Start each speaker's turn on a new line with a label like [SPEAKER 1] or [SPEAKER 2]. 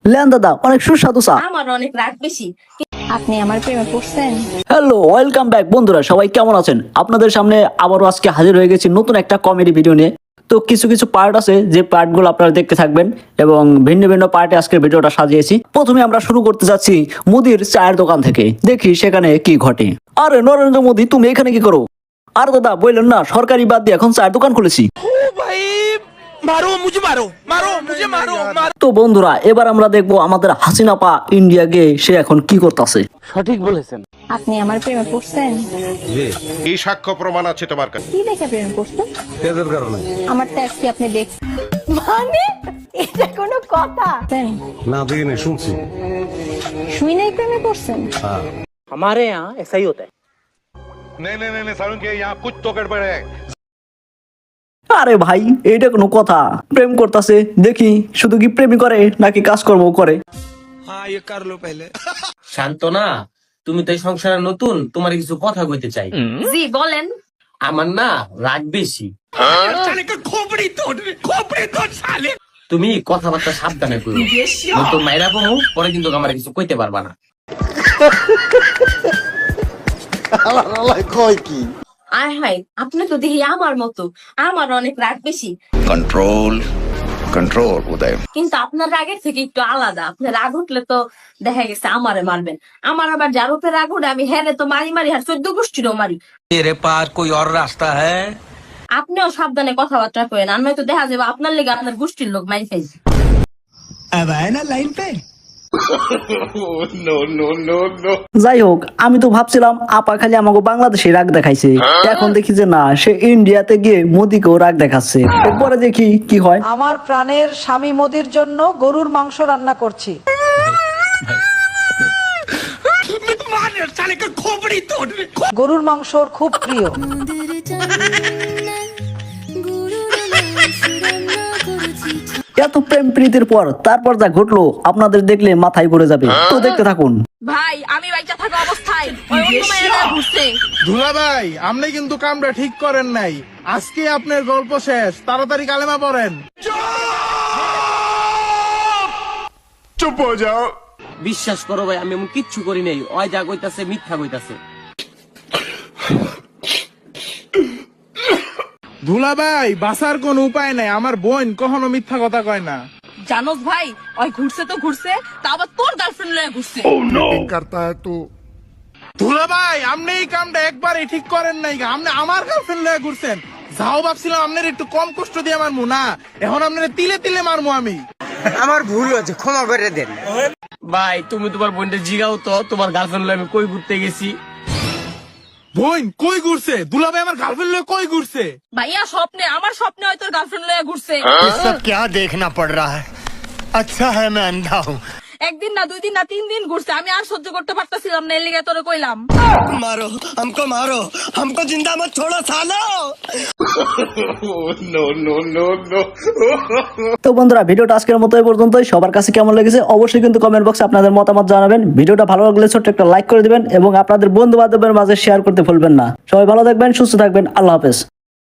[SPEAKER 1] Lane দাদা, অনেক সুস্বাদু চা।
[SPEAKER 2] আমার অনেক রাগ বেশি।
[SPEAKER 3] আপনি আমার প্রেমে পড়ছেন?
[SPEAKER 1] হ্যালো, ওয়েলকাম ব্যাক বন্ধুরা, সবাই কেমন আছেন? আপনাদের সামনে আবারও আজকে হাজির হয়ে গেছি নতুন একটা কমেডি ভিডিও নিয়ে। তো কিছু কিছু পার্ট আছে যে পার্টগুলো আপনারা দেখতে থাকবেন এবং ভিন্ন ভিন্ন পার্টে আজকের ভিডিওটা সাজিয়েছি। প্রথমে আমরা শুরু করতে যাচ্ছি মুদির চায়ের দোকান থেকে, দেখি সেখানে কি ঘটে। আরে নরেন্দ্র মোদী, তুমি এখানে কি করো? আর দাদা বললেন না সরকারি বাদ দিয়ে এখন চায়ের দোকান খুলেছি। তো বন্ধুরা, এবার আমরা দেখবো আমাদের হাসিনা পা ইন্ডিয়া গিয়ে সে এখন কি করতেছে।
[SPEAKER 4] সঠিক বলেছেন।
[SPEAKER 3] আপনি আমার প্রেমে পড়ছেন?
[SPEAKER 5] এই সাক্ষ্য প্রমাণ আছে তোমার কাছে?
[SPEAKER 3] কি দেখে প্রেমে পড়ছেন?
[SPEAKER 5] তেজের কারণে।
[SPEAKER 3] আমার ট্যাক্স কি আপনি দেখছেন? মানে এটা কোনো কথা?
[SPEAKER 5] না দেখিনি, শুনছি।
[SPEAKER 3] শুই নাই প্রেমে পড়ছেন?
[SPEAKER 4] हमारे यहाँ ऐसा ही होता है।
[SPEAKER 5] नहीं सारुण के यहाँ कुछ तो गड़बड़ है।
[SPEAKER 1] আরে ভাই, এইটা কোনো কথা? প্রেম করতেছে, দেখি শুধু কি প্রেমই করে নাকি কাজকর্ম করে।
[SPEAKER 6] শান্তনা, তুমি তো এই সংসারে নতুন, তোমার কিছু কথা কইতে চাই।
[SPEAKER 2] জি বলেন।
[SPEAKER 6] আমার না রাগ বেশি। তুমি কথাবার্তা সাবধানে কইও, নতুন মাইরা বমু, পরে কিন্তু আমার কিছু কইতে পারবা না।
[SPEAKER 2] আয় হাই, আপনি তো দেখি আমার মতো। আমার অনেক রাগ বেশি,
[SPEAKER 7] कंट्रोल कंट्रोल उदय
[SPEAKER 2] কিন্তু আপনার রাগের থেকে একটু আলাদা। আপনার রাগ উঠলে তো দেখা গেছে আমারে মারবেন। আমার আবার যার উপরে রাগ উঠে আমি হ্যাঁ তো মারি মারি, আর 14 গোষ্ঠীরও মারি।
[SPEAKER 8] तेरे पास कोई और रास्ता है?
[SPEAKER 2] আপনিও সাবধানে কথাবার্তা করেন, আর নয়তো দেখা যাবে আপনার লেগে আপনার গোষ্ঠীর লোক মারি খাইছে।
[SPEAKER 1] যাই হোক, আমি তো ভাবছিলাম আপা খালি আমাকে বাংলাদেশে রাগ দেখাইছে, এখন দেখি যে না, সে ইন্ডিয়াতে গিয়ে মোদিকেও রাগ দেখাচ্ছে। এরপরে দেখি কি হয়।
[SPEAKER 9] আমার প্রাণের স্বামী মোদির জন্য গরুর মাংস রান্না করছি। গরুর মাংস ওর খুব প্রিয়।
[SPEAKER 1] এত প্রেম প্রীতির পর তারপর যা ঘটলো আপনাদের দেখলে মাথায় ঘুরে যাবে, তো দেখতে থাকুন।
[SPEAKER 2] ভাই, আমি বাইচা থাকা অবস্থায় ওই অন্য মেয়েরা ঘুরছে।
[SPEAKER 10] দুলা ভাই, আপনি কিন্তু কামটা ঠিক করেন নাই। আজকে আপনার গল্প শেষ, তাড়াতাড়ি কালেমা পড়েন।
[SPEAKER 5] চুপ হয়ে যাও।
[SPEAKER 6] বিশ্বাস করো ভাই, আমি এমন কিচ্ছু করি নাই। ওই যা কইতাছে মিথ্যা কইতাছে।
[SPEAKER 10] দুলা ভাই, বাঁচার কোন উপায় নাই। আমার বোন কখনো মিথ্যা কথা কয় না।
[SPEAKER 2] জানোস ভাই, ওই ঘুরছে তো ঘুরছে, তা আবার তোর গার্লফ্রেন্ড লয়ে ঘুরছে।
[SPEAKER 10] দুলা ভাই, আপনি এই কামটা একবারই ঠিক করেন নাই। আপনি আমার গার্লফ্রেন্ড লয়ে ঘুরছেন। যাও ভাবছিলাম আপনার একটু কম কষ্ট দিয়ে মারমু, না এখন আপনার তিলে তিলে মারমু আমি।
[SPEAKER 8] আমার ভুল হয়েছে, ক্ষমা করে দেন।
[SPEAKER 6] ভাই, তুমি তোমার বোনটা জিগাও তো, তোমার গার্লফ্রেন্ড লয়ে আমি কই ঘুরতে গেছি।
[SPEAKER 10] বোন কই ঘুরছে? দুলা ভাই আমার গার্লফ্রেন্ড লয়ে কই ঘুরছে?
[SPEAKER 2] ভাইয়া স্বপ্নে, আমার স্বপ্নে হয় তোর গার্লফ্রেন্ড লয়ে ঘুরছে।
[SPEAKER 8] ये सब क्या देखना पड़ रहा है? अच्छा है मैं अंधा हूँ।
[SPEAKER 2] একদিন না, 2 দিন না, 3 দিন ঘুরছে। আমি আর সহ্য করতে পারতাছিলাম না, এর লিগে তোরে কইলাম।
[SPEAKER 8] मारो हमको जिंदा मत छोड़ो सालो।
[SPEAKER 1] তো বন্ধুরা, ভিডিওটা আজকের মতো এই পর্যন্তই। সবার কাছে কেমন লেগেছে অবশ্যই কিন্তু কমেন্ট বক্সে আপনাদের মতামত জানাবেন। ভিডিওটা ভালো লাগলে ছোট্ট একটা লাইক করে দিবেন এবং আপনাদের বন্ধু বান্ধবের মাঝে শেয়ার করতে ভুলবেন না। সবাই ভালো থাকবেন, সুস্থ থাকবেন, আল্লাহ হাফেজ।